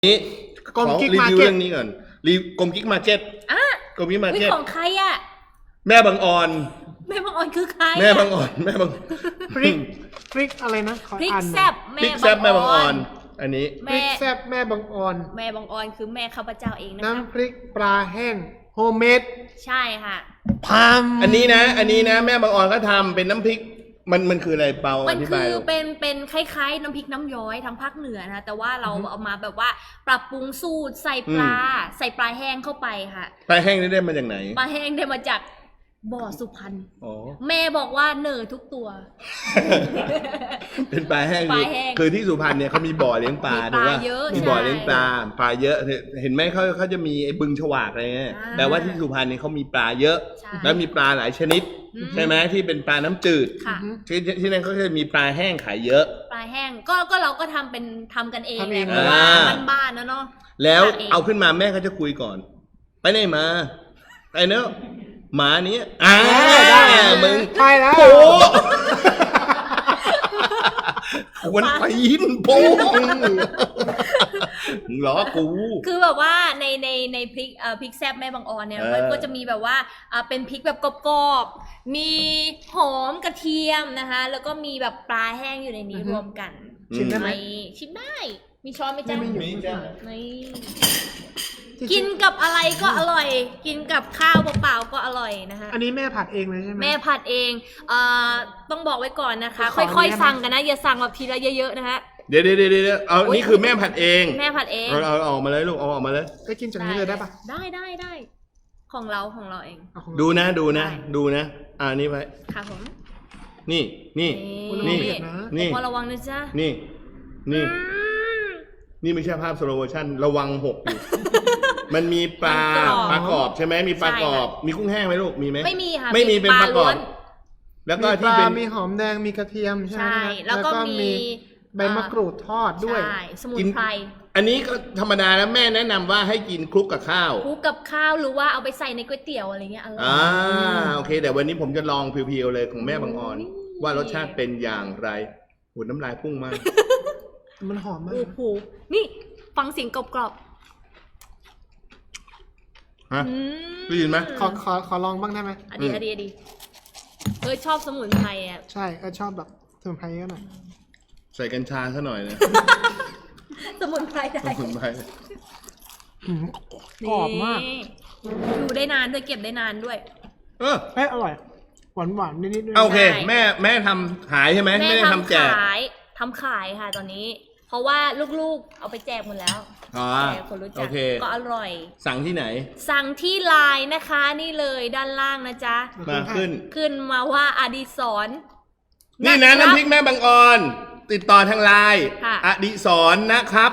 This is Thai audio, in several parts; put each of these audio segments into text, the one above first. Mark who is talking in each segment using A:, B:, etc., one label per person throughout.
A: นี้
B: กลมกิ๊ก
A: รี
B: มา
A: วิว
B: เก็ต
A: เรื่องนี้ก่อนกลมกิ๊กมาร์เก็ต
C: อ่ะ
A: กลมกิ๊กมาร์เก็ต
C: ของใครอ่ะ
A: แม่บางออน
C: แม่บางออนคือใคร
A: แม่บางออนแม่บาง
B: พริกอะไรนะขอ
C: พริก
B: อ่านห
C: แซ่
B: น่อย
C: บ
A: พริกแซ่บแม่บางออน อันนี้
B: พริกแซ่บแม่บางออน
C: แม่บางออนคือแม่ข้าพเจ้าเองนะคะ
B: น้ำพริกปลาแห้งโฮมเมด
C: ใช่ค่ะ
B: พาม
A: อันนี้นะแม่บางออนก็ทำเป็นน้ำพริกมันคืออะไรเปา
C: มั
A: อน ธิ
C: คื
A: บาย
C: อ
A: ลูก
C: เป็นคล้ายๆน้ำพริกน้ำย้อยทางภาคเหนือนะแต่ว่าเราเอามาแบบว่าปรับปรุงสูตรใส่ปลาแห้งเข้าไปค่ะ
A: ปลาแห้งนี่ได้มาจากไหน
C: ปลาแห้งได้มาจากบ่อสุพรรณ
A: อ๋อ
C: แม่บอกว่าเหน่อทุกตัว
A: เป็นปลาแห้ง
C: ปลาแห้ง
A: คือที่สุพรรณเนี่ยเขามีบ่อเลี้ยงปลา
C: มีปลา
A: ถูกป่ะ
C: เยอะ
A: มีบ่อ
C: ใช่
A: เลี้ยงปลาเยอะเห็นไหมเขาจะมีไอ้บึงฉวากอะไรเงี้ย
C: อ่า
A: แต่ว่าที่สุพรรณเนี่ยเขามีปลาเยอะ
C: ใช่
A: แล้วมีปลาหลายชนิด ใช่ไหมที่เป็นปลาน้ำจืด
C: ค่ะ
A: ที่นั่นเขาจะมีปลาแห้งขายเยอะ
C: ปลาแห้งก็เราก็ทำกันเอง
B: ทำเอง
C: แหละเพราะว่า
A: อ่า
C: บ้านๆนะเนาะ
A: แล้ว
C: ทำเอง
A: เอาขึ้นมาแม่เขาจะคุยก่อน ไปไหนมาไอ้เนอะหมานี้มึง
B: ใช่แล้ว
A: โป๊ะวันไปยินโป้งมึงล้อกู
C: คือแบบว่าในพริกแซ่บแม่บางออนเนี่ยมันก็จะมีแบบว่าเป็นพริกแบบกรอบๆมีหอมกระเทียมนะคะ แล้วก็มีแบบปลาแห้งอยู่ในนี้รวมกัน
B: ชิมได้ไหม
C: ชิมได้ มีช้อนไหมจ๊ะ
B: ไม่มี
A: มีจ้ะ
C: นี่กินกับอะไรก็อร่อย กินกับข้าวเปล่าๆก็อร่อยนะคะ
B: อันนี้แม่ผัดเองเลยใช่ไหม
C: แม่ผัดเองต้องบอกไว้ก่อนนะคะ
B: ขอ
C: ค่อย
B: ได้ไหม
C: ๆสั่งกันนะ อย่าสั่งแบบทีละเยอะๆนะคะ
A: เดี๋ยวเอานี่คือแม่ผัดเอง
C: แม่ผัดเอง
A: เอาออกมาเลยลูกเอาออกมาเลย
B: ก็กินจากนี้เลยได้ปะ
C: ได้ของเราเอง
B: เอาของ
A: ดูนะ
C: ได้
A: ดูนะนี่ไป
C: ค่ะผม
A: นี่
B: นี่
A: นี่ นี่
C: พอระวังนะจ๊ะ
A: นี่นี่ไม่ใช่ภาพสโลโมชั่นระวังหกอยู่ มันมีปลากรอบใช่ไหมมีปลากรอบ มีกุ้งแห้งไหมลูกมีไหม
C: ไม่มีค่ะ
A: ไม่มีเป็นปลากรอบ
C: ล้วน
A: แล้วก็
B: มีป
A: ที่
B: ลา
A: เป็น
B: มีหอมแดงมีกระเทียมใช่ไหม
C: ใช่ แล้วก็มี
B: ใบมะกรูดทอดด้วย
C: ใช่สมุนไพร
A: อันนี้ก็ธรรมดาแล้วแม่แนะนำว่าให้กินคลุกกับข้าว
C: คลุกกับข้าวหรือว่าเอาไปใส่ในก๋วยเตี๋ยวอะไรเงี้ยอร่อย
A: โอเคแต่วันนี้ผมจะลองเพียวๆเลยของแม่บางออน
C: อุ้ย
A: ว่ารสชาติเป็นอย่างไรโหน้ำลายพุ่งมาก
B: มันหอมมาก
C: โอ้โหนี่ฟังเสียงกรอบ
A: ฮะ
C: ๆอืม
A: ได้ยินไหม
B: ขอลองบ้างได้ไหม
C: อดีชอบสมุนไพรอ่ะ
B: ใช่ชอบแบบสมุนไพรเยอะหน่อย
A: ใส่กัญชาซะหน่อยนะ
C: สมุนไพรได้
A: สมุนไพร
B: หืมกรอบมาก
C: นี่อยู่ได้นานด้วยเก็บได้นานด้วย
A: เออ
B: เอ้ยอร่อยหวานนิดๆด้วย
A: โอเค
C: ใช่
A: แม่ทำขายใช่ไหม
C: แม่
A: ไม่ได้ทำแจก
C: ทำขายค่ะตอนนี้ เพราะว่าลูกๆเอาไปแจกหมดแล้ว
A: อ๋อ
C: แจกคนรู้จั
A: โอก เค
C: ก็อร่อย
A: สั่งที่ไหน
C: สั่งที่ไลน์นะคะนี่เลยด้านล่างนะจ๊ะ
A: มาขึ้น
C: ขึ้นมาว่าอดิศร
A: นี่นะน้ำพริกแม่บางออน ติดต่อทางไลน์
C: ค่ะ
A: อดิศรนะครับ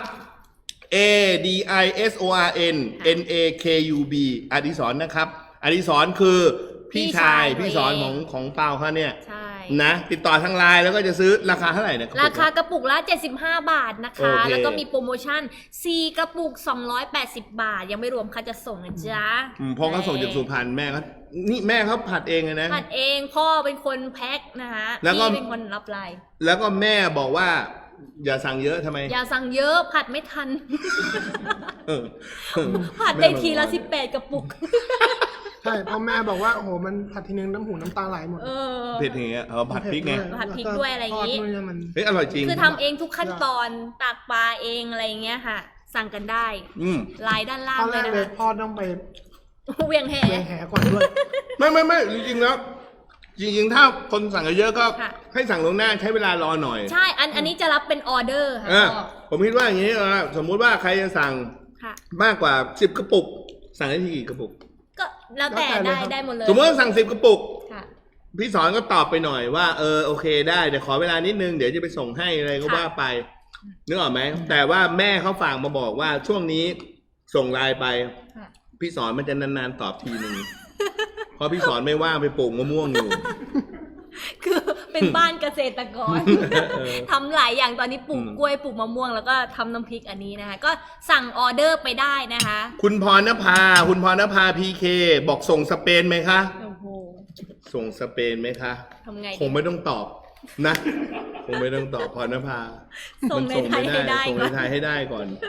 A: ADISORN NAKUB อดิศรนะครับ อดิศรคือพี่ชายพี่สอนของเปาเขาเนี่ย
C: ใช่
A: นะติดต่อทางไลน์แล้วก็จะซื้อราคาเท่าไหร่เนี่ย
C: ราคากระปุกละ75 บาทนะคะ
A: โอเค
C: แล้วก็มีโปรโมชั่น 4 กระปุก 280 บาท ยังไม่รวมค่าจะส่งนะจ๊ะ
A: พอเขาส่งจากสุพรรณแม่เขานี่แม่เขาผัดเองเลยนะ
C: ผัดเองพ่อเป็นคนแพ็คนะคะ
A: แล้วก็
C: พี่เป็นคนรับไลน์
A: แล้วก็แม่บอกว่า อย่าสั่งเยอะทำไม
C: อย่าสั่งเยอะผัดไม่ทัน
A: เออ
C: ผัดได้ทีละ18 กระปุก
B: ใช่เพราะแม่บอกว่าโอ้โหมันผัดทีนึงน้ำหูน้ำตาไหลหมด
C: เออ
A: เผ็ดอย่างเงี้ยผัดพริกไง
C: ผัดพริกด้วยอะไรอย่างงี้
B: ทดด้วยมัน
A: เฮ้ยอร่อยจริง
C: คือทำเองทุกขั้นตอนตากปลาเองอะไรอย่างเงี้ยค่ะ สั่งกันได้
A: อืม
C: ไลน์ด้านล่าง
B: ตอน
C: เล
B: แร
C: ย
B: ก
C: นะ
B: เลย
C: คะ
B: พ่อต้องไป
C: เวียงแห
B: เลี้ยงแหก่อนด้วย
A: ไม่จริงๆแล้วจริงๆถ้าคนสั่งเยอะๆก็
C: ค่ะ
A: ให้สั่งล่วงหน้าใช้เวลารอหน่อย
C: ใช่ อันนี้จะรับเป็นออเดอร์ค่ะ
A: อ่ะ
C: พ่อ
A: ผมคิดว่าอย่างนี้สมมุติว่าใครจะสั่ง
C: ค่ะ
A: มากกว่า10 กระปุก สั่งได้ที่กี่กระปุก
C: ก็แล้วแต่
B: แล้วแต่เลยครับ
C: ได้หมดเลย
A: สมมติว่าสั่ง10 กระปุก
C: ค่ะ
A: พี่สอนก็ตอบไปหน่อยว่าโอเคได้เดี๋ยวขอเวลานิดนึงเดี๋ยวจะไปส่งให้อะไรก็
C: ค่ะ
A: ว่าไปนึกออกไหมแต่ว่าแม่เขาฝากมาบอกว่าช่วงนี้ส่งไลน์ไป
C: ค่ะ
A: พี่สอนมันจะนานๆตอบทีหนึ่ง เพราะพี่สอนไม่ว่างไปปลูกมะม่วงอยู่
C: คือเป็นบ้านเกษตรกร
A: เออ
C: ทำหลายอย่างตอนนี้ปลูกกล้วยปลูกมะม่วงแล้วก็ทำน้ำพริกอันนี้นะคะ ก็สั่งออเดอร์ไปได้นะคะ
A: คุณพรณภาพีเคบอกส่งสเปนไหมคะ
C: โอ้โห
A: ส่งสเปนไหมคะ
C: ทำไง
A: คงไม่ต้องตอบนะ คงไม่ต้องตอบพรณภา
C: ส่งในไทยให้ได้
A: ส่ง
C: ก่
A: ใน
C: อน
A: ไทยให้ได้ก่อน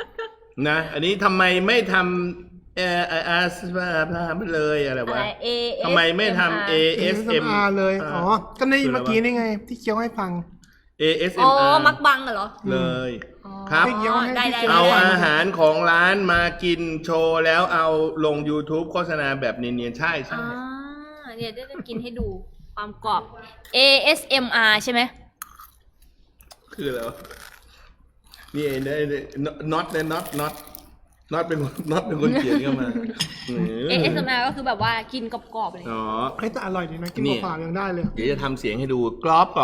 A: นะ อันนี้ทำไมไม่ทำไปเลยอะไร
C: อะไร
A: วะ
C: ASMR
A: ทำไมไม่ทำ ASMR
B: เลย อ๋อ ก็ในเมื่อกี้นี่ไง ที่เคี้ยวให้ฟัง
C: อ๋อ
A: ASMR
C: มักบังเหรอ
A: เลย
C: อ๋อ
A: ครับ
C: ได้
A: เอาอาหารของร้านมากินโชว์แล้วเอาลง YouTube โฆษณาแบบเนียนๆใช่
C: อ่าเดี๋ยวจะกินให้ดูความกรอบ ASMR ใช่ไหม
A: คืออะไรวะนี่เองน็อตเนี่ยน็อตเป็นคนเขียนเข้ามา
C: ASMR ก็คือแบบว่ากินกรอบๆเลย
A: อ๋อ
B: เฮ้ยแต่อร่อยดีนะ กิน
A: เนี่ย
B: เปล่าๆยังได้เลย
A: เดี๋ยวจะทำเสียงให้ดูกรอบ
C: อุป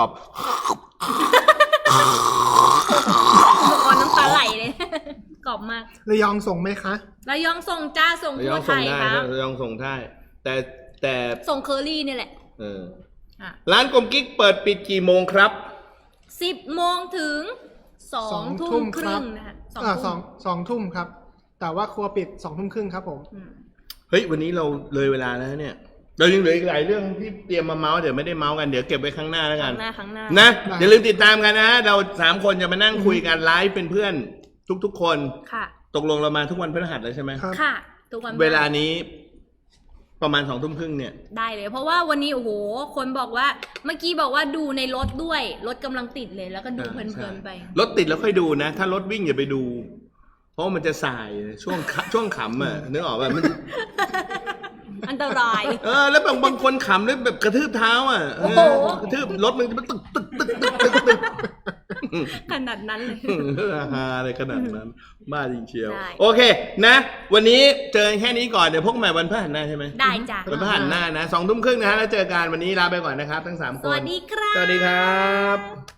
C: กรณ์น้ำตาไหลเลย กรอบมาก
B: ระยองส่งไหมคะ
C: ระยองส่งจ้าส่ง
A: ระย
C: ทั่
A: อ
C: ว
A: ง
C: ไท
A: ส่ง
C: ย
A: ได้
C: ครับ
A: ระยองส่งได้แต่
C: ส่งเคอรี่นี่แหละ
A: เออ
C: อ่ะ
A: ร้านกลมกิ๊กเปิดปิดกี่โมงครับ
C: 10 โมงถึง 2 ทุ่มครึ่งนะคะ2 ทุ่ม
B: สองทุ่มครับ แต่ว่าครัวปิด2 ทุ่มครึ่งครับผม
C: อืม
A: เฮ้ยวันนี้เราเลยเวลาแล้วเนี่ย เรายังเหลืออีกหลายเรื่องที่เตรียมมาเมาส์เดี๋ยวไม่ได้เมาส์กันเดี๋ยวเก็บไว้ข้างหน้าแล้ว
C: ค
A: กั
C: รั้
A: น
C: งหน้าครั้งหน้า
A: นะ
B: ได้
A: อย่าลืมติดตามกันนะเรา3คนจะมานั่งคุยกันไลฟ์เป็นเพื่อนทุกๆคน
C: ค่ะ
A: ตกลงเรามาทุกวันพฤหัสเลยใช่ไหม
B: ครับ
C: ค่ะ ทุกวัน
A: เวลานี้ประมาณ2 ทุ่มครึ่งเนี่ย
C: ได้เลย เพราะว่าวันนี้โอ้โห คนบอกว่า เมื่อกี้บอกว่าดูในรถด้วย รถกำลังติดเลย แล้วก็ดูเพลินๆไป
A: รถติดแล้วค่อยดูนะ ถ้ารถวิ่งอย่าไปดู เพราะว่ามันจะสายช่วงขำอ่ะนึกออกป่ะมัน
C: อันตราย
A: แล้วบางคนขำด้วยแบบกระทืบเท้าอ่ะ
C: โอ้โห
A: กระทืบรถมันตึก
C: ขนาดนั้นเลย
A: ฮาอะไรขนาดนั้นบ้าจริงเชียว
C: ได้
A: โอเคนะ วันนี้เจอแค่นี้ก่อนเดี๋ยวพบกันใหม่วันพฤหัสหน้าใช่ไหม
C: ได้จ้ะ
A: วันพฤหัสหน้านะ2 ทุ่มครึ่งนะฮะแล้วเจอกันวันนี้ลาไปก่อนนะครับทั้ง3 คน
C: สวัสดีครับ
A: สวัสดีครับ